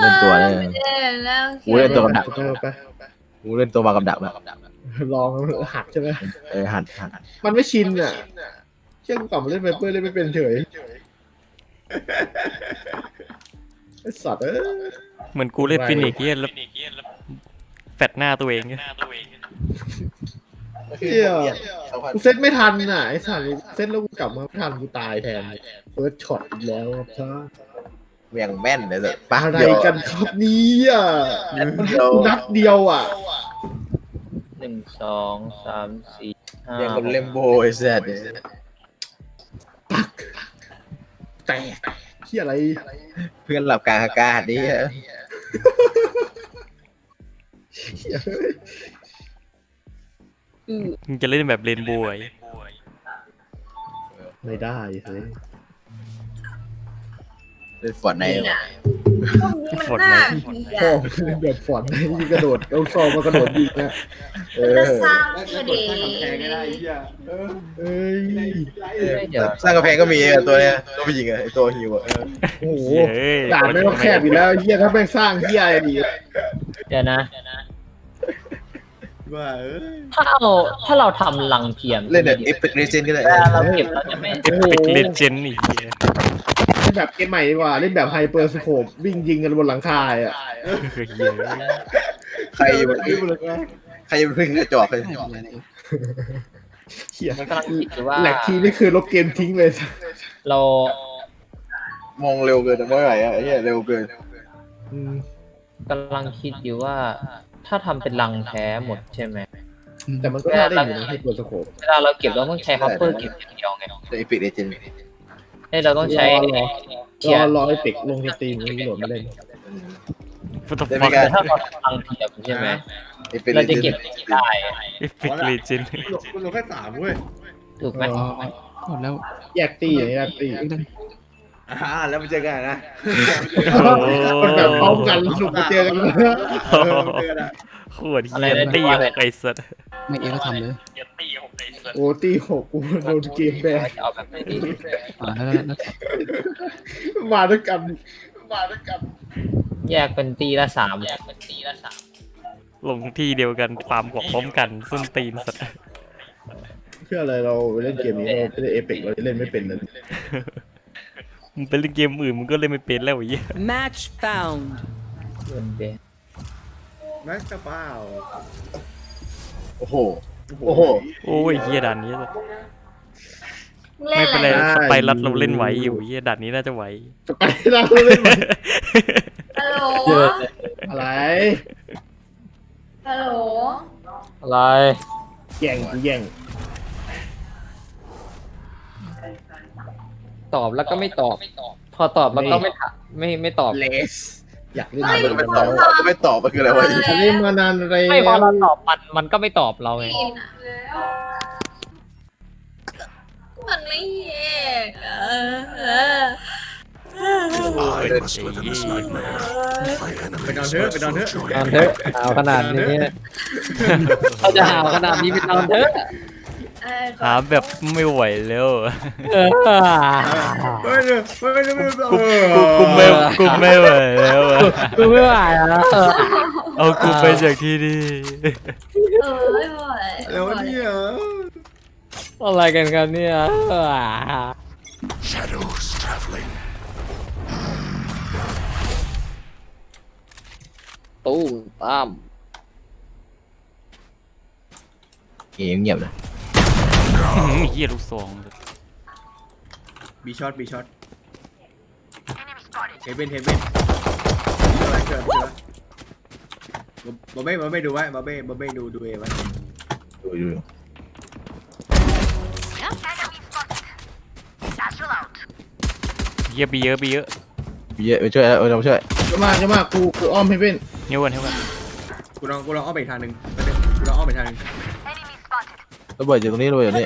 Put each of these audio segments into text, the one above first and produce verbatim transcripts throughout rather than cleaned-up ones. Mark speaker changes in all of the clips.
Speaker 1: ล่นตัวเลย
Speaker 2: แล้ว
Speaker 1: กูเล่นตัวกับดัก
Speaker 3: ไป
Speaker 1: กูเล่นตัวมากับดักแบบ
Speaker 3: ลองหักใช่ไหม
Speaker 1: เออหันหัน
Speaker 3: มันไม่ชินอ่ะเชื่อกูกลับมาเล่นไวเปอร์เล่นไม่เป็นเฉยไอ้สัตว์เอ้ย
Speaker 4: เหมือนกูเล่นฟินิกซ์เหี้ยแล้วแฟดหน้าตัวเองเหี้ย
Speaker 3: เฮียกูเซตไม่ทันน่ะไอ้สัตว์เซตแล้วกูกลับมาไม่ทันกูตายแทนเฟิร์สช็อตอีกแล้วครับท่า
Speaker 1: เวียงแม่นเลยสิปะ
Speaker 3: อะไร
Speaker 1: เดียว
Speaker 3: กันครับเนี่ย
Speaker 1: เดียว
Speaker 3: นัดเดียวอ่ะ
Speaker 5: หนึ่งสองสามสี่ห้า
Speaker 1: เวียงคนเล่มโบไอ้แซ่ด
Speaker 3: แตกเฮียอะไร
Speaker 1: เพื่อนหลับกลางอากาศนี่
Speaker 3: เฮียเฮ้ย
Speaker 4: มึงจะเล่นแบบเรนโบว์ไอ้
Speaker 3: ไม่ได้เฮ้ย
Speaker 1: เล่นฟอร์ดใน
Speaker 2: พวกนี้มันน่าเกลีย
Speaker 3: พ่อ
Speaker 2: ด
Speaker 3: เล่นแบบฝอนให้ยิงกระโดดเอาซองมากระโดดยิงนะเอ
Speaker 2: มัน
Speaker 3: อ
Speaker 2: จะสร้างคดี
Speaker 3: เอ้ย
Speaker 5: เดี๋ยว
Speaker 1: สร้างกระแพงก็มีตัวเนี้ยตัวผู้หญิงอะไอตัวฮิวอะ
Speaker 3: โอ้โห
Speaker 4: เฮ้ย
Speaker 3: ด่านไม่ต้องแคบอยู่แล้วเฮียถ้าแม่งสร้างเฮียอะไรดี
Speaker 5: เดี๋ยวนะ
Speaker 1: ว่าเออ
Speaker 5: ถ้าเราถ้าเราทำลังเทียม
Speaker 1: เล่นแบบเอฟเฟกต์เรเจนก็ได้
Speaker 5: เวลาเราเก็บเราจะไม่
Speaker 4: เอฟเฟกต์เลเจนด์อีกเหี้ย
Speaker 3: เล่นแบบเกมใหม่ดีกว่าเล่นแบบไฮเปอร์สโคปวิ่งยิงกันบนหลังคาอ่ะ
Speaker 4: เหี้ย
Speaker 1: ใครอยู่บนใครอยู่บนพื้นกระจอกเลย
Speaker 3: เฮีย
Speaker 5: มันกำลังคิดอยู่ว่า
Speaker 3: แหลกทีนี่คือลบเกมทิ้งเลย
Speaker 5: เรา
Speaker 1: มองเร็วเกินเมื่อไหร่อะไอ้เหี้ยเร็วเกิน
Speaker 3: อืม
Speaker 5: กำลังคิดอยู่ว่า ถ้าทำเป็นลังแท้หมดใช่ไหม
Speaker 3: แต่มันก็น่าได้อยู่นะไฮเปอร์สโคป
Speaker 5: เวลาเราเก็บเราต้องใช้ฮับเปอร์เก็บอย่างเดียวไง
Speaker 1: เอฟเฟกต์เรเจน
Speaker 5: เฮ้ยเราต้องใช้
Speaker 3: รอ
Speaker 5: เทีย
Speaker 3: รอ
Speaker 5: ร์
Speaker 3: รอไอเป็กลงสตรีมแล้วโหลดมาเล่น
Speaker 4: ฟุตบอล
Speaker 5: แต่ถ้าเราทำลังเทียมใช่ไหม
Speaker 1: เอฟเฟกต์
Speaker 5: เรา
Speaker 1: เร
Speaker 5: จะ
Speaker 1: เจ
Speaker 5: เก็บ
Speaker 1: น
Speaker 5: อย่างนี้ได้
Speaker 4: เอฟเฟกต์เลเจนด์
Speaker 6: คุณลงแค่สามเว้ย
Speaker 5: ถูกไหม
Speaker 7: หมดแล้ว
Speaker 3: แยกตี้อย่างเงี้ยตี
Speaker 6: อ่าแล้วมาเจอกันนะ
Speaker 3: มันแบบพร้อมกันสนุกมาเจอกัน
Speaker 6: เออมาเจอกันนะ
Speaker 4: โคตรเหี้ยตี้หกไอ้สัส
Speaker 7: ไม่เองก็ทำเลย
Speaker 3: โอ้ตีหกกูโดนเกมแบน
Speaker 5: จะเอาแบบไหนดี
Speaker 7: อ่าแล้วแล้ว
Speaker 3: มาด้วยกันมาด้วยกัน
Speaker 5: แยกเป็นตีละสามแยกเป็นตีละสาม
Speaker 4: ลงที่เดียวกันฟาร์มกว่าพร้อมกันส้นตีนสัส
Speaker 3: เพื่ออะไรเราเล่นเกมนี้เราไม่ได้เอพิกเราเล่นไม่เป็นเลย
Speaker 4: มึงไปเล่นเกมอื่นมึงก็เล่นไม่เป็นแล้วไอ้เหี้ย
Speaker 8: Match found.
Speaker 5: เงินเบน
Speaker 6: แม็กซ์กระเป๋า
Speaker 1: โอ้โหโอ้โห
Speaker 4: โอ้ยเหี้ยด่านนี้สัส
Speaker 2: เล่
Speaker 4: ไม่
Speaker 2: น
Speaker 4: เป็น
Speaker 2: อะไร
Speaker 4: ไรสไปรัสเราเล่นไหวอยู่เหี้ยด่านนี้น่าจะไหว
Speaker 3: ไปเราเล่น
Speaker 2: ฮัลโหล
Speaker 3: อะไร
Speaker 2: ฮัลโหล
Speaker 5: อะไร
Speaker 3: แย่งกูแย่ง
Speaker 5: ตอบแล้วก็ไม่ตอบ พอตอบแล้วก็ไม่ถามไม่ไม่ตอบ
Speaker 3: เลสอยากเล่น
Speaker 1: ไม่
Speaker 3: อะไร
Speaker 1: ตอบไม่ตอบมันคืออะไรวะ
Speaker 3: ฉันเล่นมานานอะไร
Speaker 5: ไม่พอเราตอบมันมันก็ไม่ตอบเราไง
Speaker 2: กินอะมันไม่แยกอะเออ
Speaker 6: ไปนอนเถอะไปนอนเถอะ
Speaker 5: นอนเถอะหาวขนาดนี้เขาจะหาวขนาดนี้ไปนอนเถอะ
Speaker 2: เออ
Speaker 4: หาแบบไม่ไหวแล้ว
Speaker 5: เออ
Speaker 6: เฮ้ยเดี๋ยวเฮ้ยเดี๋ยวเดี๋ยว
Speaker 4: กูกูกูไม่กูไม่ไหวแล้วอะ
Speaker 5: กูไม่ไหวแล้ว
Speaker 4: เอากูไปจากที่นี่
Speaker 2: เออไม่ไหว
Speaker 6: แล้วเนี่ย
Speaker 5: อะไรกันกันเนี่ย ตู้ตั้ม
Speaker 1: เงียบเงียบนะ
Speaker 4: เหี้ยลูกซอง
Speaker 6: บีช็อตบีช็อตเฮเบนเฮเบนอะไรเกิดอะไรบอเบ้บอเบ้ดูไว้บอเบ้บอเบ้ดูดูเอไว้
Speaker 1: ดูดู
Speaker 4: เหี้ยบีเยอะบีเยอะ
Speaker 1: เยอะไปช่วยแล้วเราช่วย
Speaker 3: จะมาจะมากูกูอ้อมให้เป็น
Speaker 4: เฮ้ยวันเฮ้ยวัน
Speaker 6: กูลองกูลองอ้อมไปอีกทางหนึ่งกูลองอ้อมไปอีกทางหนึ่ง
Speaker 1: ระเบิดอยู่ตรงนี้ระเบิดอยู่นี่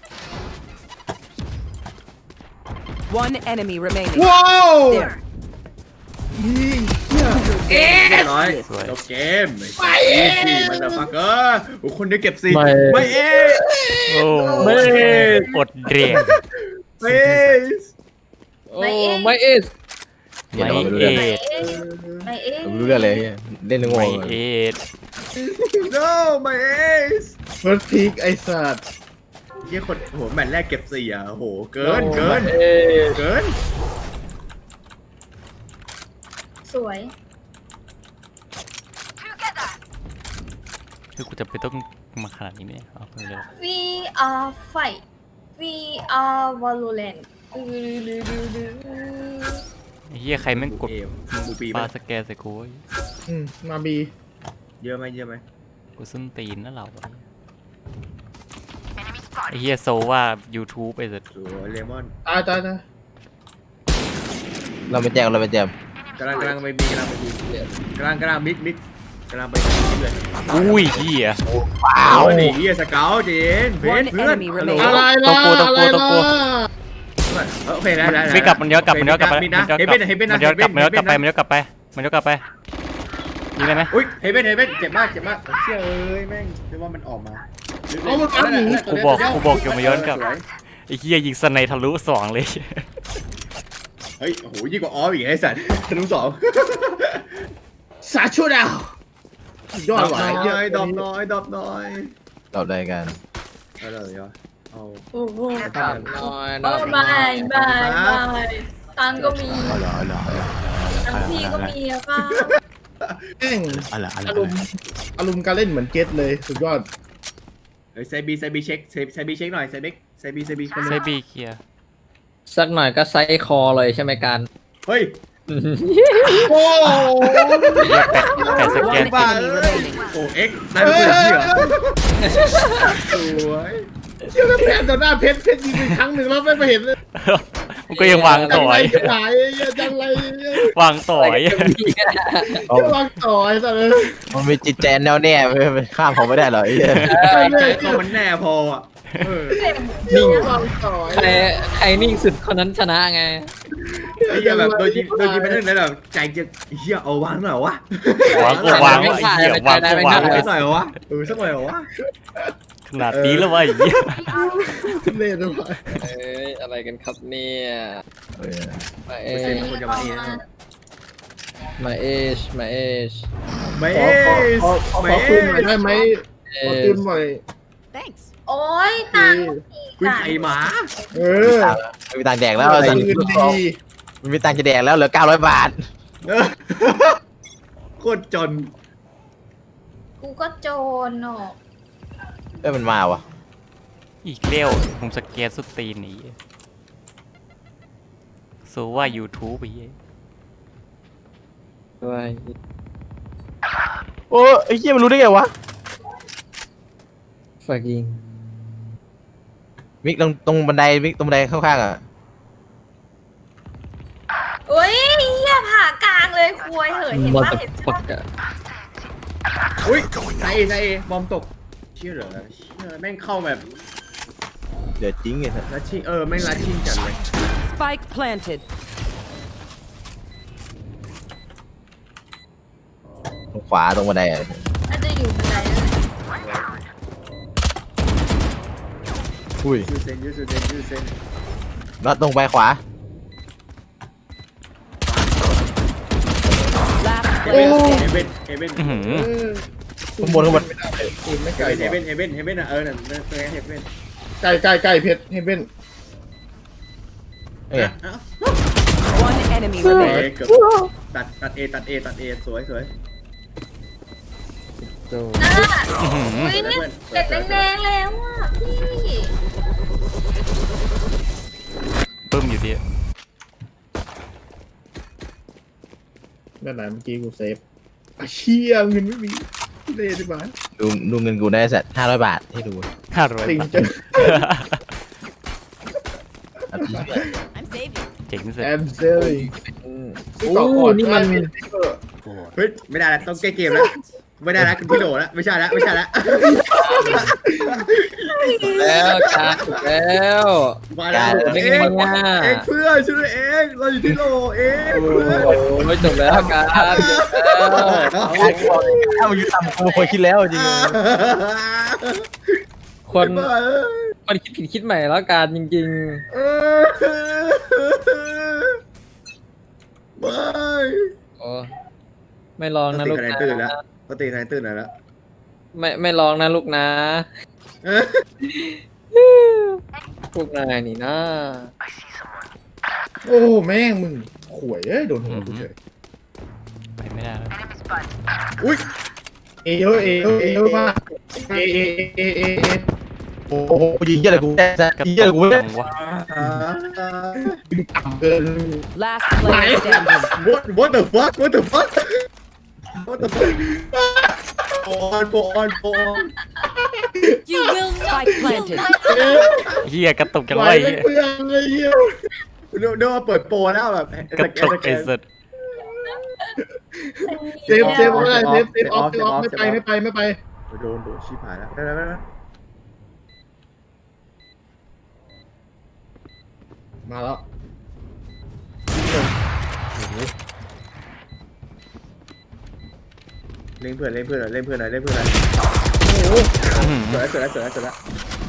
Speaker 8: One enemy remaining.
Speaker 3: ว้าว
Speaker 8: There.
Speaker 6: เรียบร้อยจบเกมไม่สิมันจะฟักเกอร์โอ้คนเดียวเก็บสี่ไม่เอ๊
Speaker 4: โอ้ไม่อดเรียน
Speaker 6: ไม่เอ๊
Speaker 5: โอ้ไม่เอส
Speaker 1: เดี๋ยวเราไปดู
Speaker 4: เอ
Speaker 1: เลย
Speaker 4: ส
Speaker 2: ไม่ไม่เอ๊ะ
Speaker 1: ไม่รู้เรื่องเลยเล่นง
Speaker 4: ไม่
Speaker 1: ง
Speaker 4: เอ็ด
Speaker 6: no my ace
Speaker 3: เฟิร์สพีกไอ้สัตว์
Speaker 6: เฮียคนโหแมตช์แรกเก็บสี่อ่ะโหเกินเกิน
Speaker 3: เอ้ย
Speaker 6: เกิน
Speaker 2: สวย
Speaker 4: คือกูจะไปต้องมาขนาดนี้ไหมเนี่ยเอาไปเลย
Speaker 2: we are fight we are valorant ดื้อดื้อดื้อดื้อ
Speaker 4: ไอ้เหี้ยใครแม่งกด
Speaker 6: เอมบูปี
Speaker 4: ปลา
Speaker 6: ปะ
Speaker 4: สแกนใส่กูวะ
Speaker 3: อืมมาบี
Speaker 6: เยอะไหมเยอะไหม
Speaker 4: กูส้นตีนนะเราไอ้เหี้ยโซว่า YouTube ไอ้สัส
Speaker 6: สวยเลมอน
Speaker 3: ตายตายตาย
Speaker 1: เราไปแจกเราไปแจก
Speaker 6: กำลังกำลังไปบีกำลังไปบีกำลังกำลังมิดมิดกำลังไปเรื่อย
Speaker 4: อุ้ยเหี้ย
Speaker 1: ว้า
Speaker 6: เอา
Speaker 1: ว
Speaker 6: ดิเฮียสเกลเจนเพชรเพื่อนฮัลโหล
Speaker 3: อะไรล่ะ
Speaker 4: ตัวกูตัว
Speaker 3: อะไร
Speaker 4: กูตัวกู
Speaker 3: ล่ะ
Speaker 6: โอเคได้ได้
Speaker 4: ไม่กลับมันย้อนกลับมันย้อนกลับไป
Speaker 6: มิดนะเฮเบนเฮเบน
Speaker 4: มั
Speaker 6: นะ
Speaker 4: นย้อนกลับมันย้อนกลับไปมันย้อนกลับไปมันย้อนกลับไปยิงได้ไหม
Speaker 6: อุ้ยเฮเบนเฮเบนเจ็บมากเจ็บมากเชี่ยเอ้ยแม่งเรียกว่ามันออกมา
Speaker 3: เอามันปั๊บหนี
Speaker 4: กูบอกกูบอกอยู่มันย้อนกลับไอ้เหี้ยยิงสไนทะลุสองเลย
Speaker 6: เฮ้ยโอ้โหยิ่งกว่าออฟอีกไอ้สัตว์ทะลุสอง
Speaker 3: สาชูดาว
Speaker 6: ดอย
Speaker 3: อดหวายเยอะ
Speaker 6: ดอบน้อยดอบน้อย
Speaker 1: เราได้กัน
Speaker 6: เอาเลยเหรอเอา
Speaker 2: โอ้โห
Speaker 5: น้อย
Speaker 2: โอ้
Speaker 5: น้อย
Speaker 2: ไม่ไม่ไม่ตังก็มี
Speaker 1: เอาเหรอเอาเหรอเอาเหรอ
Speaker 2: ตังพี่ก็มีอะค่ะ
Speaker 3: แม่ง
Speaker 1: เอาเหรอเอาเหร
Speaker 3: อา
Speaker 1: อ
Speaker 3: รมณ์อารมณ์การเล่นเหมือนเกตเลยสุดยอด
Speaker 6: เฮ้ยไซบีไซบีเช็คไซบีเช็คหน่อยไซบีไซบีไซบีคน
Speaker 4: ไซ
Speaker 6: นึง
Speaker 4: บีเคลียร์
Speaker 5: สักหน่อยก็ไซส์คอเลยใช่ไหมการ
Speaker 6: เฮ้ย
Speaker 3: โอ้
Speaker 4: แปะสแกน
Speaker 8: One enemy remaining.
Speaker 6: โอ้เอ็กได้เป็นคนที่เหรอสวย
Speaker 3: เชี่ยแล้วแพ้ต่อหน้าเพชรเพชรยิงไปครั้งหนึ่งแล้วไม่เห็นเลย
Speaker 4: มันก็ยังวาง
Speaker 3: จั
Speaker 4: ต่
Speaker 3: ง
Speaker 4: อ
Speaker 3: ไร
Speaker 4: ย
Speaker 3: จะหายจังไร
Speaker 4: วางต่อย
Speaker 3: จะวางต่อยซะเลย
Speaker 1: มันมีจิตใจแน่วแน่ไม่ข้ามผมไม่ได้หรอกไอ้เหี้ย
Speaker 6: ใจใจเขามันแน่พออ่ะเออ
Speaker 3: นิ่งวางต่อย
Speaker 5: ใครใครนิ่งสุดคนนั้นชนะไง
Speaker 6: ไอ้เหี้ยแบบโดนยิงโดนยิงไปทั้งนั้นแบบใจจะเหี้ยเอาวางหน่อยวะ
Speaker 4: วางก็วางวะไอ้เหี้ยวางก็วาง
Speaker 6: สักหน่อยวะเออสักหน่อยวะ
Speaker 4: ขนาดนี้แล้ววะไอ้เหี้ย
Speaker 3: เล่นด้วย
Speaker 5: เอ้ยอะไรกันครับเนี่ย
Speaker 1: เออ
Speaker 5: มาเอ
Speaker 6: เปอร์เซ็น
Speaker 5: ช
Speaker 6: ต์คนจะมาเองนะ
Speaker 5: มาเอชมาเอช
Speaker 6: ไม่
Speaker 3: ขอ
Speaker 6: เอ
Speaker 3: ขอ
Speaker 6: ส
Speaker 3: ขอข
Speaker 6: ไม่
Speaker 3: อ
Speaker 6: เอ
Speaker 3: คืนหน่อย
Speaker 6: ส
Speaker 3: ได้ไหม
Speaker 5: เอ
Speaker 3: ขอ
Speaker 5: ช
Speaker 3: คืนหน่อย
Speaker 8: Thanks.
Speaker 2: โอ้ยตังก็มี
Speaker 6: คุณ
Speaker 2: ตัง
Speaker 6: ไข่หมา
Speaker 3: เออ
Speaker 1: ไม่มีตังค์แดกแล้ว
Speaker 3: คื
Speaker 1: สัน
Speaker 3: นดี
Speaker 1: ไม่มีตังค์จะแดกแล้วเหลือเก้าร้อยบาท
Speaker 6: เออโคตรจน
Speaker 2: กูก็โจรเนาะ
Speaker 1: เอ้ยมันมาวะ
Speaker 4: อีกเลี้ยวผมสแกนสุดตีนหนีโซว่า YouTube ไอ้เหี้ย
Speaker 5: ด้วย
Speaker 1: โอ้ไอ้เหี้ยมันรู้ได้ไงวะ
Speaker 5: ฝากยิง
Speaker 1: มิกตรงตรงบันไดมิกตรงบันไดข้างๆอ่ะ
Speaker 2: โอ้ยเหี้ยผ่ากลางเลยควยเหยเห็น
Speaker 5: มอ
Speaker 2: ปะ
Speaker 5: เตอ
Speaker 2: เห็น
Speaker 5: ร์
Speaker 2: ปะ
Speaker 5: ฟักอะ
Speaker 6: อุ้ยไซเอไซเอบอมตกเชี่ยเหรอเชี่ยแม่งเข้าแบบ
Speaker 1: เดี๋ยวจริงไงสัส
Speaker 6: ลัดชิ่งเออแม่งลัดชิ่งจัดเลย
Speaker 8: Spike planted.
Speaker 1: ตรงขวาตรงบันไดอ่ะ
Speaker 2: น่าจะอยู่บันไดนั่นแหละ
Speaker 1: อุ้ย
Speaker 6: ยูเซนยูเซนยูเซน
Speaker 1: แล้วตรงไปขวา
Speaker 8: Last
Speaker 6: เฮ
Speaker 8: player
Speaker 6: เบน
Speaker 8: standing.
Speaker 6: เฮเบนเฮเบน
Speaker 4: อื้อหือ
Speaker 1: ข้างบนข้างบน
Speaker 3: คืนไม่ไกล
Speaker 6: เฮเบนเฮเบนเฮเบนอ่ะเออนั่นนั่นเฮเบน
Speaker 3: ใกล้ใกล้ใกล้เพชรให้เป็น
Speaker 1: เอ้ย
Speaker 8: One enemy
Speaker 6: เอ
Speaker 8: remaining.
Speaker 6: เกือบตัดตัดเอตัดเอตัดเอสวยสวย
Speaker 2: น่า
Speaker 4: อื้อหือ
Speaker 2: อุ้ยเนี่ยเด็กแดงๆแล้วอ่ะพี่
Speaker 4: ปึ้มอยู่ดี
Speaker 3: นั่นไหนเมื่อกี้กูเซฟอ่ะเชี่ยเงินไม่มีเล่ใช่ไหม
Speaker 1: ดูดูเงินกูได้สัตว์ห้าร้อยบาทให้ดู
Speaker 4: ห้าร้อย
Speaker 3: ติง
Speaker 4: บาท
Speaker 3: จะ
Speaker 1: เอาที่
Speaker 8: I'm saving.
Speaker 4: เจ๋งสุด
Speaker 3: แอมเซล
Speaker 5: โอ้นี่มัน
Speaker 6: เฮ้ยไม่ได้แล้วต้องแก้เกมแล้วไม่ได้แล้วคุณพี่โดแล้วไม่ใช่แล้วไม่ใช่แล้ว
Speaker 5: แล้วการแล้ว
Speaker 6: มาแล้ว
Speaker 5: ได้
Speaker 6: เอ
Speaker 5: ไง
Speaker 6: ง
Speaker 5: เนี่ย
Speaker 6: เองเพื่อนช่วยเองเราอยู่ที่โลเองเพื่อน
Speaker 5: โอ้ยจบแล้วการจบแล้ว
Speaker 1: ถ้ามันอยู่ต่ำกูควรคิดแล้วจริง
Speaker 5: คนคนคิดผิดคิดใหม่แล้วการจริง
Speaker 6: เออไม่
Speaker 5: ๆโอ้ไม่ลอง
Speaker 6: ต้อง
Speaker 5: นะ
Speaker 6: ตี
Speaker 5: ลูก
Speaker 6: คะแนน
Speaker 5: นะ
Speaker 6: ตื่นแล้วต้องตีคะแนนตื่นหน่อยแล้ว
Speaker 5: ไม่ไม่ลองนะลูกนะพวกนายนี่นะ
Speaker 3: โอ้แม่งมึงข่วยเอ้ยโดนหัวกูเฉย
Speaker 4: ไปไม่ได้แล้ว
Speaker 6: อุ้ย
Speaker 3: เอเยอะเอเยอะเอเยอะมากเอเอเอเอเอ
Speaker 1: โอ้โหยิงเยอะเลยกู
Speaker 4: กระ
Speaker 1: ยิงเย
Speaker 4: ตุ
Speaker 1: อะ
Speaker 4: ก
Speaker 1: เลยกู
Speaker 4: จังวะ
Speaker 3: มึงต่ำเกิน
Speaker 8: Last player standing.
Speaker 6: what what the fuck what the fuck what the fuck go on go on go on
Speaker 8: You will not planted.
Speaker 4: เฮียกระตุกจัง
Speaker 3: ไหว
Speaker 4: วะไอ้
Speaker 3: ไม่
Speaker 4: เหี้ย
Speaker 3: เปลืองเลยเหี้ย
Speaker 6: เดี๋ยวเดี๋ยวมาเปิดโปรแล้วแบบ
Speaker 4: กระตุกไอ้สัส
Speaker 3: เซฟเซฟไม่ได้เซฟเซฟออฟเซฟออฟไม่ไปไม่ไปไม่ไป
Speaker 6: โดนโดนชิบหายแล้วได้แล้วได้แล้ว
Speaker 3: มาแล้ว
Speaker 6: เล่นเพื่อนเล่นเพื่อนหน่อยเล่นเพื่อนหน่อยเล่นเพื่อนหน่อย
Speaker 4: อื้อหือ
Speaker 6: สวยแล้วสวยแล้วสวยแล้วสวยแล้ว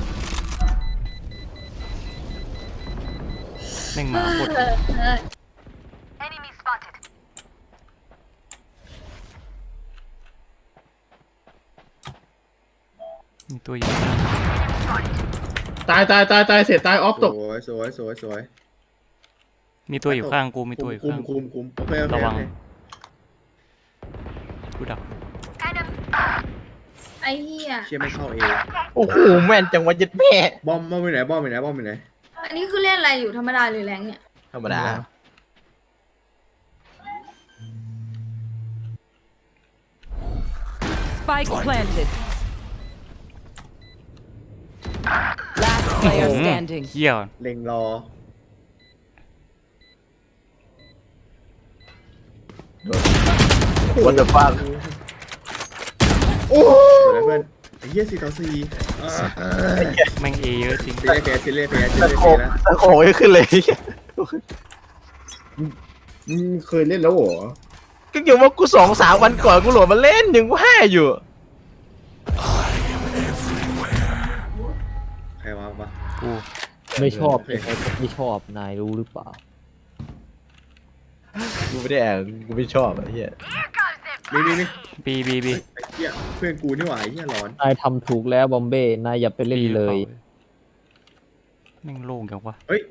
Speaker 4: แม่งหมาหมดมีตัวอยู่
Speaker 3: ตายตายตายตายเสร็จตายออฟตก
Speaker 6: สวยสวยสวยสวย
Speaker 4: มีตัวอยู่ข้างกูมีตัวอยู่
Speaker 6: คุม
Speaker 4: ข้างกู
Speaker 6: คุมคุมโอเคโอเค
Speaker 4: ระวัง
Speaker 6: โอเค
Speaker 4: กูดัก
Speaker 2: ไอ้เหี้ย
Speaker 6: เชี่ยไม่เข้าเอ
Speaker 1: โอ้โหแม่นจังวะยัดแม่
Speaker 6: บอมบอมไปไหนบอมไปไหนบอมไปไหน
Speaker 2: อันนี้คือเล่นอะไรอยู่ธรรมดาหรือแรงเนี่ย
Speaker 1: ธรรมดา
Speaker 8: Spike planted. Last player
Speaker 4: อื้อ
Speaker 8: standing.
Speaker 4: เฮีย
Speaker 6: เล็งรอ
Speaker 1: วันเดอร์ฟัง
Speaker 3: โอ้
Speaker 6: สวยแล้วเพื่อนไอ้เหี้ยสี่ต่อสี่อ่า
Speaker 4: แม่งเอเยอะจริง
Speaker 6: ซีเรียสแพ้ซีเรียสแพ้ซี
Speaker 1: ตะ
Speaker 6: เรียส
Speaker 1: โข
Speaker 6: แพ้
Speaker 1: ง
Speaker 6: แล้ว
Speaker 1: ตะโขงไม่ขึ้นเลย
Speaker 3: มึงเคยเล่นแล้วเหรอ
Speaker 1: ก็อยู่ว่ากูสองสามวันก่อนกูโหลดมาเล่นยังกูห้าอยู่
Speaker 6: ใครวะวะ
Speaker 4: กู
Speaker 5: ไม่ชอบยังไงก็ไม่ชอบนายรู้หรือเปล่า
Speaker 1: กูไม่ได้แอบกูไม่ชอบไอ้เหี้ย
Speaker 6: นี่นี่นี่
Speaker 4: บีบีบี
Speaker 6: ไอ้เหี้ยเพื่อนกูนี่หว่าไอ้เหี้ยร้อน
Speaker 5: นายทำถูกแล้วบอมเบ้นายอย่าไปเล่นเลย
Speaker 4: แม่งโล่งจังวะ
Speaker 6: เฮ้ย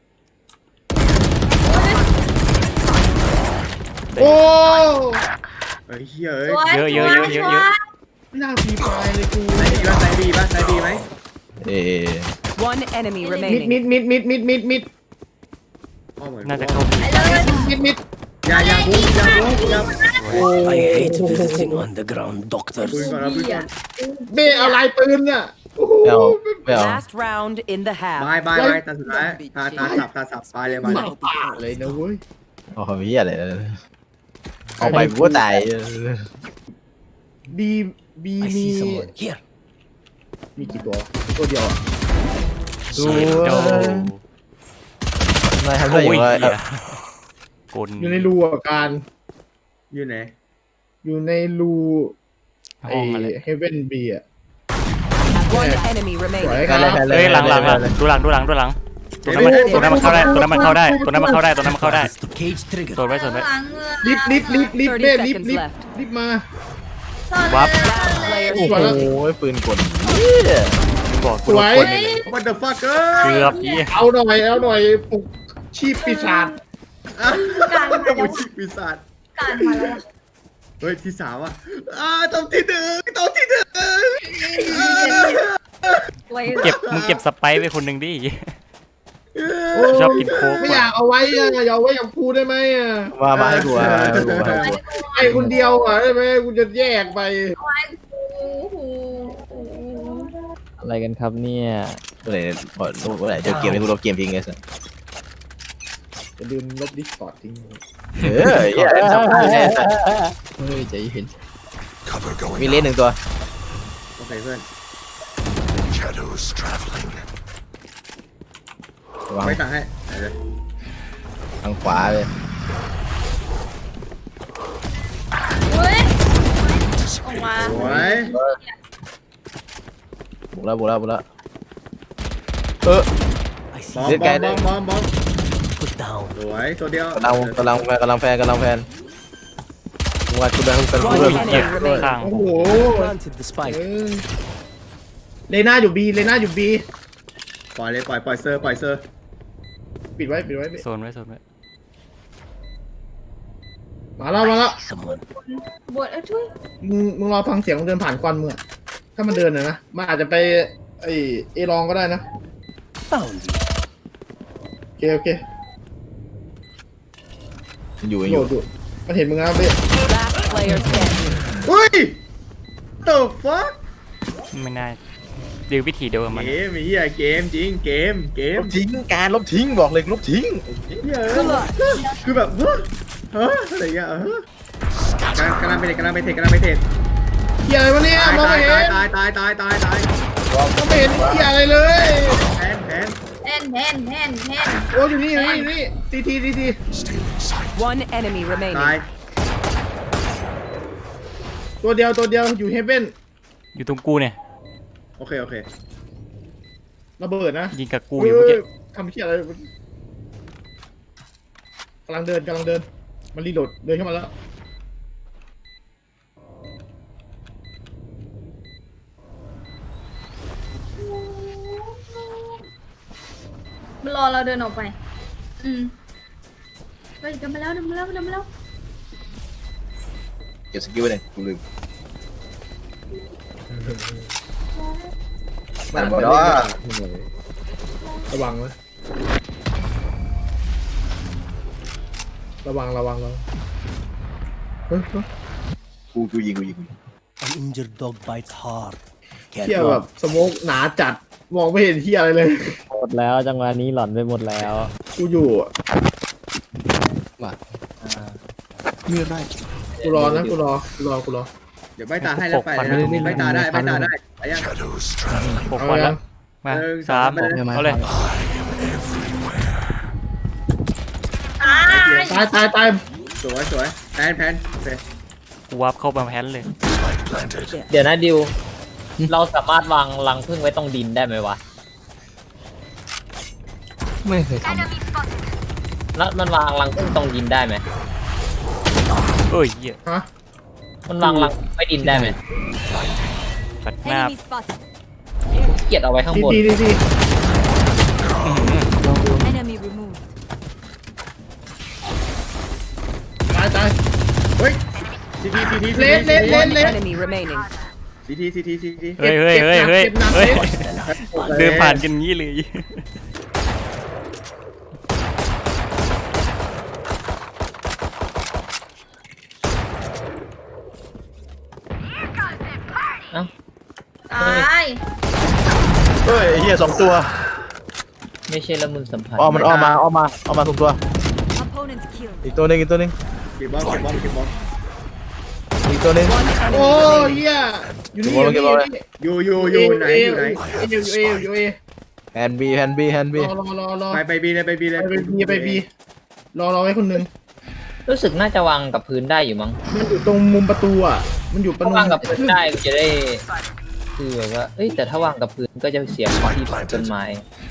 Speaker 3: โอ้
Speaker 6: ไอ้เหี้ยเอ้ย
Speaker 2: สวย
Speaker 4: เยอะเยอะเยอะเยอะเยอะ
Speaker 3: หน้าพีปลายเลยกู
Speaker 6: ไอ้ดีป่ะไซบีป่ะไซบีไหม
Speaker 1: เอ๊ะ
Speaker 8: One enemy
Speaker 3: มิด
Speaker 8: remaining.
Speaker 3: มิดมิดมิดมิดมิดมิด
Speaker 6: อ้อเหมือน
Speaker 4: น่าจะเข้าบี
Speaker 2: ไปเลย
Speaker 3: มิดมิด
Speaker 6: อย่าอย่าพูดอย่าพูดอย่า
Speaker 9: I hate visiting underground
Speaker 6: ปืน
Speaker 9: doctors.
Speaker 6: ก่อนนะปืนก่อน
Speaker 3: เบ้อะไรปืนน่ะโอ้โห
Speaker 1: ไม่เอาไม่เอา
Speaker 8: Last round in the
Speaker 6: บาย
Speaker 8: half.
Speaker 6: บายบายตาสุดท้ายตาตาสับตาสับตายเลยบายเลย
Speaker 3: เลยนะเว้ย
Speaker 1: โอ้โหเหี้ยอะไรเอาไปกูก็ตาย
Speaker 3: บีบี
Speaker 9: I
Speaker 3: มี
Speaker 9: see someone here.
Speaker 3: มีกี่ตัวตัวเดียวอ่ะ
Speaker 1: ดู
Speaker 4: เชดโด
Speaker 1: นายทำได้
Speaker 4: โอ้
Speaker 1: ยัง
Speaker 4: ย
Speaker 1: ไง
Speaker 4: เหี้ยกล
Speaker 3: อยู่ในรูอ่ะการ
Speaker 6: อยู่ไหน
Speaker 3: อยู่ในรูไอ
Speaker 4: ห้องอะไร
Speaker 3: เฮเว่นบีอ่ะ
Speaker 8: One enemy
Speaker 3: สวย
Speaker 8: remaining.
Speaker 3: ครั
Speaker 1: เลย
Speaker 3: บ
Speaker 1: เลย
Speaker 4: เฮ้ยหลังหลังหลังดูหลังดูหลังดูหลังตัวนั้นมันตัวนั้นมันเข้าได้ตัวนั้นมันเข้าได้ตัวนั้นมันเข้าได้ตัวนั้นมันเข้าได้
Speaker 9: Press the cage trigger.
Speaker 4: ตัวไว้ส่วนไว้
Speaker 2: หลังเมือง
Speaker 3: ลิฟต์ลิฟต์ลิฟต์ลิฟต์เบ้ลิฟต์ลิฟต์ลิฟต์มา
Speaker 4: วับ
Speaker 8: Player
Speaker 1: โอ้โห
Speaker 8: standing.
Speaker 1: ปืนกลเหี้ย
Speaker 4: บอกกูโดนคนเลย
Speaker 6: What the fuck เอ้
Speaker 4: เกื
Speaker 6: ย
Speaker 4: อบยี่
Speaker 3: เอาหน่อยเอาหน่อยปลุกชีพปีศาจ
Speaker 2: การมา
Speaker 6: ต้อง
Speaker 2: แล้ว
Speaker 6: ชิปีศาจ
Speaker 2: การมาแล้ว
Speaker 6: เฮ้ยที่สามอ่ะอ่าต้องที่หนึ่งต้องที่หนึ่ง
Speaker 2: ไว้
Speaker 4: เก็บมึงเก็บสไปซ์ไปคนหนึ่งดิ
Speaker 3: โอ้
Speaker 4: ชอบกินโค้ก
Speaker 3: ไม่อยากเอาไว้อะอย่าเอาไว้กับกูได้ไหมอ่ะ
Speaker 1: มามาให้กูมาให้กูมาให้กู
Speaker 3: ไอ้คนเดียวอ่ะได้ไหมกูจะแยกไป
Speaker 2: ไว้กูหูหู
Speaker 5: อะไรกันครับเนี่ย
Speaker 1: เมื่อไหร่พอเมื่อไหร่จะเกมให้กูลบเกมทิ้งไงสัส
Speaker 3: อย่าลืมลบดิสคอร์ดทิ้ง
Speaker 1: เออเหี้ยสำคัญแน่สัส
Speaker 5: เฮ้ยใจเย็น
Speaker 9: Cover going
Speaker 1: มีเลนหนึ่งตัว
Speaker 6: โอเคเพื่อน
Speaker 9: Shadows traveling.
Speaker 1: วาง
Speaker 6: ไม่ต่างให้เดี๋ยว
Speaker 1: ทางขวาเลย
Speaker 2: เฮ้ยออกมา
Speaker 6: สวย
Speaker 1: บุกแล้วบุกแล้วบุกแล้วเออ
Speaker 9: I
Speaker 6: บอ
Speaker 9: see.
Speaker 6: มบอมบอมบอมบอม
Speaker 9: Put down.
Speaker 6: สวยตัวเดียว
Speaker 1: กำลังกำลังกำลังแฟนกำลังแฟน
Speaker 5: มึงว่ากูได้ทุกคน
Speaker 8: One
Speaker 4: เฮ้ยเหี้ย
Speaker 8: enemy remaining.
Speaker 4: ข้าง
Speaker 3: โอ้โห
Speaker 9: Planted the
Speaker 3: เอ
Speaker 9: spike.
Speaker 3: อเลน่าอยู่บีเลน่าอยู่บี
Speaker 6: ปล่อยเลยปล่อยปล่อยเซอร์ปล่อยเซอร์
Speaker 3: ปิดไว้ปิดไว้ปิด
Speaker 4: โซนไว้โซนไว้
Speaker 3: มาแล้วมาแล้ว
Speaker 9: Someone.
Speaker 2: บวชเอ้ยช่วย
Speaker 3: มึงมึงรอฟังเสียงมันเดินผ่านควันมึงอะถ้ามันเดินนะนะมันอาจจะไปไอเอลองก็ได้นะ
Speaker 9: Found you.
Speaker 3: โอเคโอเค
Speaker 1: อยู่
Speaker 3: โห
Speaker 1: อ
Speaker 3: ล
Speaker 1: ยู่
Speaker 3: ดอยู่มันเห็นมึงแล้วเบ้
Speaker 8: Last player standing.
Speaker 6: เฮ้ย the fuck
Speaker 4: ไม่น่าดีวิธีเดียวกับมัน
Speaker 6: เกมไอ้เหี้ยเกมจริงเกมเก
Speaker 1: ล
Speaker 6: ม
Speaker 1: บทิ้งการลบทิ้งบอกเลยลบทิ้ง
Speaker 6: เหี้ยคือแบบเฮ้ยเฮ้ยอะไรเงี้ยเออกำลังกำลังไปเทรดกำลังไปเทรดกำลังไปเทรด
Speaker 3: เฮียอะไรวะเนี่ย
Speaker 6: ตาย
Speaker 3: มอง
Speaker 6: ตา
Speaker 3: ไม่
Speaker 6: ย
Speaker 3: เห็น
Speaker 6: ตายตายตายตายตาย
Speaker 3: มองไม่เห็นเฮียอะไรเลย
Speaker 6: แผนแผน
Speaker 2: แทนแทนแทนแทน
Speaker 3: โอ้อยู่นี่อยู่นี่อยู่นี่ทีทีทีที
Speaker 9: Still in sight.
Speaker 8: One enemy
Speaker 6: ตาย
Speaker 8: remaining.
Speaker 3: ตัวเดียวตัวเดียวอยู่เฮเบน
Speaker 4: อยู่ตรงกูเนี่ย
Speaker 6: โอเคโอเค
Speaker 3: ระเบิดนะ
Speaker 4: ยิงกับกูอยู่เมื่อกี้
Speaker 3: เฮ้ยทำเฮียอะไรกำลังเดินกำลังเดินมันรีโหลดเดินเข้ามาแล้ว
Speaker 2: มันรอเราเดินออกไป อืมเฮ้ยเดินมาแล้วเดินมาแล้วเดินมาแล้ว
Speaker 1: เก็บสกิลไว้เลยกูลืมมันบอกว่า
Speaker 3: ระวังนะระวังระวังระวังเฮ้ยเฮ้ย
Speaker 1: กูกูยิงกูยิงกูยิง
Speaker 9: An injured dog bites hard.
Speaker 3: เฮีย
Speaker 9: Can't
Speaker 3: แบ
Speaker 9: run.
Speaker 3: บสโมกหนาจัดมองไม่เห็นเฮียอะไรเลย
Speaker 5: หมดแล้วจังหวะนี้หล่อนไปหมดแล้ว
Speaker 3: กูอยู่อะ
Speaker 7: มีไร
Speaker 3: กูรอนะกูรอกูรอกูรอ
Speaker 6: เดี๋ยวใบตาให้แล้วไปเลยนะใบตาได้ใบตาได้ไปยัง
Speaker 9: Shadows traveling.
Speaker 4: หกวันแล้วมา
Speaker 6: หนึ่ง
Speaker 4: สาม
Speaker 6: สาม
Speaker 4: เอาเลย
Speaker 2: ตาย
Speaker 3: ตายตายตาย
Speaker 6: สวยสวยแผนแผนโอเค
Speaker 4: กูวับเข้ามาแพนเลย
Speaker 9: Spike planted.
Speaker 5: เดี๋ยวนะดิว เราสามารถวางรังผึ้งไว้ตรงดินได้ไหมวะ
Speaker 7: ไม่เคยท
Speaker 5: แล้วมันวางรังผึ้งตรงดินได้ไหม
Speaker 4: เอ้ยเหี้ย
Speaker 3: ฮะ
Speaker 5: มันวางรังไว้ดินได้ไหม
Speaker 4: ปัดหน้า
Speaker 5: เกลียดเอาไว้ข้าง
Speaker 3: ที
Speaker 5: บน
Speaker 3: ทีทีที
Speaker 2: enemy remove
Speaker 3: ตายตาย
Speaker 6: เฮ้ยซีทีซีที
Speaker 3: เลนเลนเลน
Speaker 8: One
Speaker 3: เลน
Speaker 8: enemy remaining.
Speaker 6: ซีทีซีทีซีที
Speaker 4: เฮ้ยเฮ้ยเฮ้ยเฮ้ย
Speaker 3: เก็บหนัก
Speaker 4: เฮ้ย
Speaker 3: เก็บหนัก
Speaker 4: เดินผ่านกันงี้เลย
Speaker 5: เอ้า
Speaker 2: ตาย
Speaker 1: เฮ้ยเฮียสองตัว
Speaker 5: ไม่ใช่ละมุนสัมผัส
Speaker 1: อ้อมมันอ้อมมาอ้อมมาอ้อมมาสองตัว
Speaker 2: opponent kill
Speaker 1: อีกตัวหนึงอีกตัวหนึง
Speaker 6: เก็บบอลเก็บบอลเก็บบอล
Speaker 1: อีกตัวหนึง
Speaker 8: One
Speaker 3: โอ้
Speaker 8: enemy remaining.
Speaker 3: เฮียอยู่นี่
Speaker 1: เก็บบอล
Speaker 3: อยู่
Speaker 1: เก็บ
Speaker 3: นี่
Speaker 1: บอลเลย
Speaker 6: อยู่อยู่อยู่ไหนอยู่ไหน
Speaker 3: เออยู่เออยู่เอ
Speaker 1: แฮนบีแฮนบีแฮนบี
Speaker 3: รอรอรอรอ
Speaker 6: ไปไปบีเลยไปบีเลย
Speaker 3: ไปบีไปบีรอรอไว้คนหนึ่ง
Speaker 5: รู้สึกน่าจะวางกับพื้นได้อยู่มั้ง
Speaker 3: มันอยู่ตรงมุมประตูอ่ะมันอยู่ประ
Speaker 5: ถ้า
Speaker 3: ตู
Speaker 5: วางกับพื้นได้ก็จะได้ คือแบบว่า เอ้ยแต่ถ้าวางกับพื้นก็จะเสียพื้นที่ต้นไม้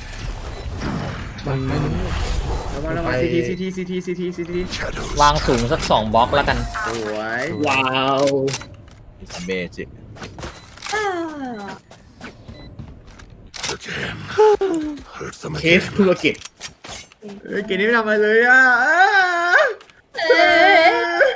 Speaker 3: มันไม่รู้
Speaker 6: ระวังระวังซีทีซีทีซีทีซีทีซีที
Speaker 9: Shadows.
Speaker 5: วางสูงสักสองบล็อกแล้วกัน
Speaker 6: สวย
Speaker 3: ว้าว
Speaker 1: เมจิก
Speaker 2: อ่า
Speaker 9: Again. Hurt them
Speaker 3: เคส
Speaker 9: again.
Speaker 3: ธุรกิจ
Speaker 6: เฮ้ยเกมนี้ไม่ทำอะไรเลยอ่ะ
Speaker 2: เอ้ย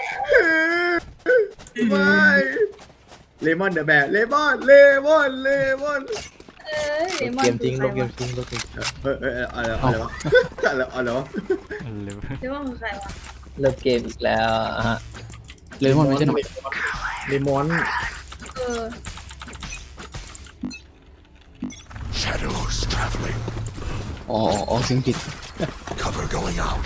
Speaker 6: ไม่เลมอนเดอะแบบเลมอนเลมอนเลมอน
Speaker 2: เอ้ย
Speaker 1: เกมจริงลบเกมจริงลบเกม
Speaker 6: เออเอออะไรอะไรวะอะไรอะไรวะ
Speaker 4: เร็ว
Speaker 2: เดี๋ยวว่าคือใครวะ
Speaker 5: เริ่มเกมอีกแล้วอะฮะ
Speaker 7: ำเลยมันไม่ใช่หนอย
Speaker 3: เลมอน
Speaker 2: เออ
Speaker 9: Shadows traveling.
Speaker 7: อ๋ออ๋อเสียงจิต
Speaker 9: Cover going out.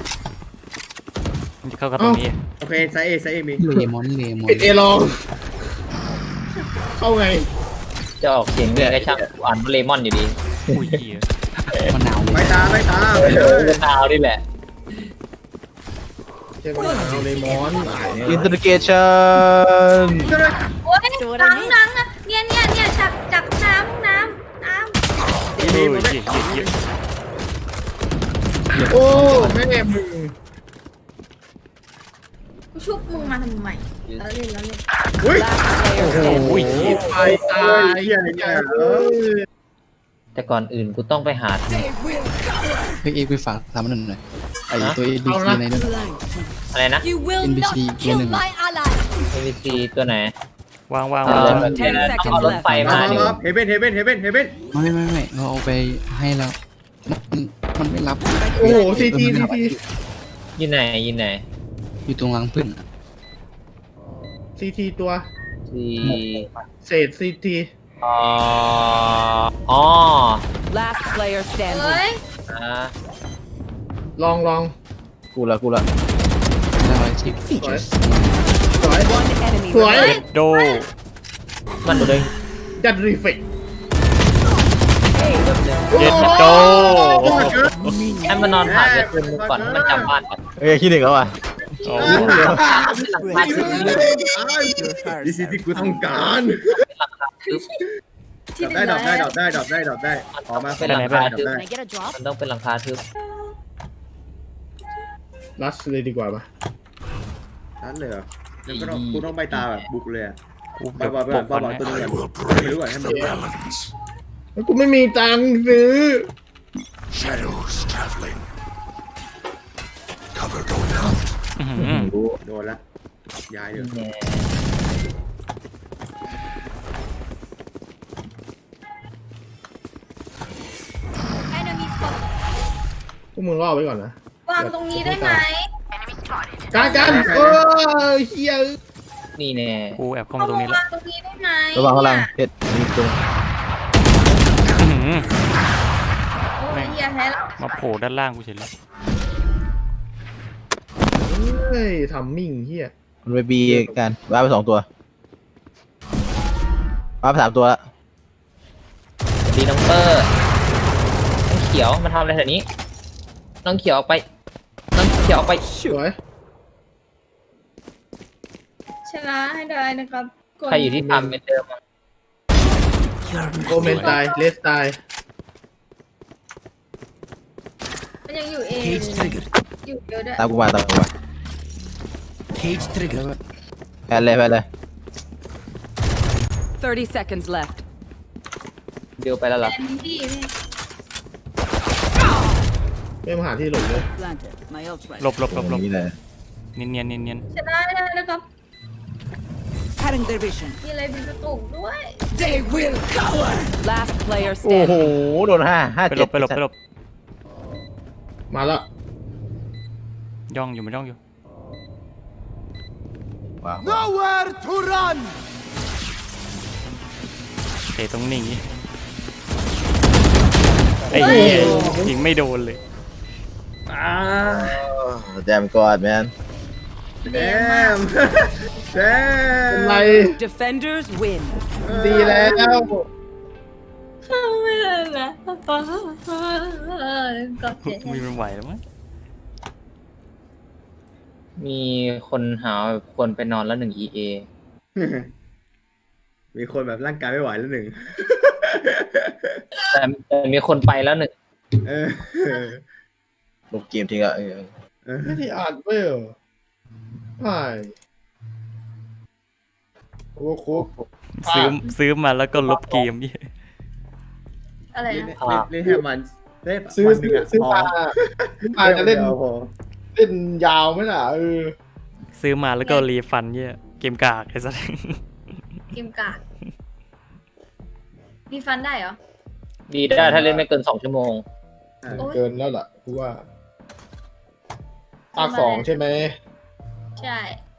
Speaker 4: มันจะเข้ากับตรงนี้
Speaker 6: โอเคไซเอไซเอมี
Speaker 7: เลมอนเลมอน
Speaker 3: ปิดเอลองเข้าไง
Speaker 5: จะออกเสียงเรียกให้ช่างกูอ่านว่าเลมอนอยู่ดี
Speaker 4: อุ้ยเหี้ย
Speaker 7: มันหนาวเล
Speaker 6: ไป
Speaker 7: ย
Speaker 6: ตาไปตาไปเล
Speaker 5: เออย มะนาวนี่แหละ
Speaker 3: เจ้าเอาเลมอนตายเนี่ย
Speaker 1: อินเตอร์เกชัน
Speaker 2: โอ้ยหนังหนังอะเนี่ยเนี่ยเนี่ยจับจับน้ำน้ำน้
Speaker 4: เฮ้ยเหี้ยเหี้ยเหี้ย
Speaker 3: โอ้แม่มึง
Speaker 2: กูชุบมึงมาทำไมแล้วเล่นแล้วเล่น
Speaker 8: Last player standing.
Speaker 4: อุ้ย
Speaker 3: ตายตายเหี้ยเนี่ยเออ
Speaker 5: แต่ก่อนอื่นกูต้องไปหา
Speaker 7: เฮ้ยเอ็กไปฝากทำมันหน่อยไอตัว เอ็น บี ซี ในนั้น
Speaker 5: อะไรนะ
Speaker 8: You will
Speaker 7: N B C
Speaker 8: not
Speaker 7: ตัว
Speaker 8: kill
Speaker 7: หนึ่ง
Speaker 8: my ally.
Speaker 5: เอ็ม บี ซี ตัวไหน
Speaker 4: วางวาง
Speaker 5: เอ
Speaker 4: วาง
Speaker 5: อ
Speaker 8: Ten
Speaker 5: ต้อง
Speaker 8: seconds
Speaker 5: เอารถไฟ
Speaker 8: left.
Speaker 5: มา
Speaker 6: มา
Speaker 5: เดี๋ยว
Speaker 6: มาเฮเบนเฮเบนเฮเบนเฮเบน
Speaker 7: ไม่ไม่ไม่เราเอาไปให้แล้วมันมันไม่รับ
Speaker 3: โอ้โหซีทีซีที
Speaker 5: อยู่ไหนอยู่ไหน
Speaker 7: อยู่ตรงรังพึ่งอะ
Speaker 3: ซีทีตัว
Speaker 5: ที่
Speaker 3: เศษซีที
Speaker 5: อ๋ออ๋อ
Speaker 8: Last player
Speaker 2: เฮ้
Speaker 8: standing.
Speaker 2: ย
Speaker 5: อ่า
Speaker 3: ลองลอง
Speaker 1: กูละกูละ
Speaker 7: แล้วอะไรที่ฟีเจอร์
Speaker 3: สวย
Speaker 8: One enemy
Speaker 3: สวย
Speaker 8: remaining.
Speaker 4: โด
Speaker 5: มันเลย
Speaker 3: ดัดรีเฟก
Speaker 4: เย็ดโด
Speaker 5: ให้มันนอนผ่านจะคืนมึงก่อนให้มันจำบ้านก่อน
Speaker 1: เอ้ยขี้หนึ่งแล้วอ่ะ
Speaker 4: โอ้
Speaker 5: บ้านคือ
Speaker 6: นี่สิที่กูต้องการ
Speaker 2: ที่
Speaker 6: ได้ดอกได้ดอกได้ดอกได้ดอกได้ออกมา
Speaker 5: เป็นหลังคาทึบ
Speaker 8: Can I get a drop?
Speaker 5: มันต้องเป็นหลังคาทึบ
Speaker 3: ลัสเลยดีกว่าปะ
Speaker 6: นั่นเลยเหรอแล้วก็ต้องกูต้องไปตาแบบบุกเลยอะ
Speaker 4: กู
Speaker 6: บ
Speaker 4: เดี๋
Speaker 6: อ
Speaker 4: ยว
Speaker 6: กบอก
Speaker 4: ป
Speaker 6: บอก
Speaker 4: ก
Speaker 6: บอก
Speaker 4: ก่อน
Speaker 6: ตัว
Speaker 4: นะ
Speaker 6: นึงก่อน
Speaker 9: I will
Speaker 6: ไม่รู้
Speaker 9: break
Speaker 6: ก่อนให้มัน
Speaker 9: the balance.
Speaker 3: แล้วกูไม่มีตังค์ซื้อ
Speaker 9: Shadows traveling. Cover going out.
Speaker 4: อื้อหือ
Speaker 6: โดนละย้ายเดี๋ยว
Speaker 5: แน่
Speaker 8: Enemy spotted.
Speaker 3: พวกมึงรอไว้ก่อนนะ
Speaker 2: วางตรงนี้ได้ไหม
Speaker 3: การการเออเฮีย
Speaker 5: นี่แน่
Speaker 4: กูแอบเข้า
Speaker 2: เอา
Speaker 4: มาตรง
Speaker 2: มา
Speaker 4: นี้แล้ว
Speaker 2: วางตรงนี้ได้ไหม
Speaker 1: ระวังข้างล่าง
Speaker 2: เนี่ย
Speaker 1: เพชรมีตรง
Speaker 4: อื้อหือ
Speaker 2: โอ้ยเฮียแพ้แล้ว
Speaker 4: มาโผล่ด้านล่างกูเฉยเลย
Speaker 3: เฮ้ยทำมิ่งเฮีย
Speaker 1: มันไปบีกันว้าไปสองตัวว้าไปสามตัวละ
Speaker 5: ดีน้องเปอร์น้องเขียวมาทำอะไรแถวนี้ น้องเขียวออกไป น้องเขียวออกไป
Speaker 3: สวย
Speaker 2: ชนะให้ได้นะครับกด
Speaker 5: ใครอยู่ที่ทำเป็นเดิมอะ
Speaker 3: โอเมนตายเลสตาย
Speaker 2: มันยังอยู่เองอยู่เยอะด้วย
Speaker 1: ตามกูมาตามกูมาแพ้เลยแพ้เลย
Speaker 8: Thirty seconds left.
Speaker 5: เดียวไปแล้วเหรอ
Speaker 2: แอนดี้นี่
Speaker 3: ไม่มาหาที่หลบเลย
Speaker 8: Planted. My ult right.
Speaker 4: หลบหลบหลบหลบ
Speaker 1: นี่เลย
Speaker 4: เนียนเนียนเนียนเนียน
Speaker 2: ชนะให้ได้นะครับ
Speaker 8: Cutting their vision.
Speaker 2: มีอะไรเป็นกระตุกด้วย
Speaker 8: Last player
Speaker 1: โอ้โห
Speaker 8: standing.
Speaker 1: โดนห้าห้า
Speaker 4: ไปหล
Speaker 1: เจ็ด
Speaker 4: บไปหลบไปหลบ
Speaker 3: มาแล้ว
Speaker 4: ย่องอยู่มันย่องอยู่
Speaker 1: ว้าว
Speaker 4: เตะตรงนี้ไอ้เหี้ยยิงไม่โดนเลย
Speaker 1: แจมกอดแมน
Speaker 6: แดมแดม
Speaker 3: เป็นไร
Speaker 8: Defenders win.
Speaker 3: ดีแล้ว
Speaker 2: เข้าไม่ได้แล้วกดเจ็ด
Speaker 4: ไม่ไหวแล้วมั้ง
Speaker 5: มีคนหาคนไปนอนแล้วหนึ่ง อี เอ
Speaker 6: มีคนแบบร่างกายไม่ไหวแล้วหนึ่ง
Speaker 5: แต่แต่มีคนไปแล้วหนึ่ง
Speaker 6: เออ
Speaker 1: ลบเกมทิ้งอ่ะเออ
Speaker 6: เออ
Speaker 3: ไม่ได้อ่านเว้ยเหรอใช่โอ้โห
Speaker 4: ซื้อซื้อมาแล้วก็ลบเกมยี่
Speaker 2: อะไร
Speaker 6: เล่น
Speaker 2: นะ
Speaker 6: เล่นให้มันได้
Speaker 3: ซื้อ
Speaker 6: วันห
Speaker 3: ซื้
Speaker 6: นึ่
Speaker 3: อง
Speaker 6: อะ
Speaker 3: ซื้อ
Speaker 6: พอ
Speaker 3: มาซื้อมาจะเล่น
Speaker 6: ดี๋ยวพอ
Speaker 3: เล่นยาวไหมล่ะเออ
Speaker 4: ซื้อมาแล้วก็รีฟันเยี่ยเกมกากไอ้สัส
Speaker 2: เกมกากมีฟันได้เหรอ
Speaker 5: ดีได้ถ้าเล่นไม่เกินสองชั่วโมง
Speaker 2: โอ้ย
Speaker 3: เกินแล้วล่ะกูว่าภาคสองใช่ไหม
Speaker 2: ใช่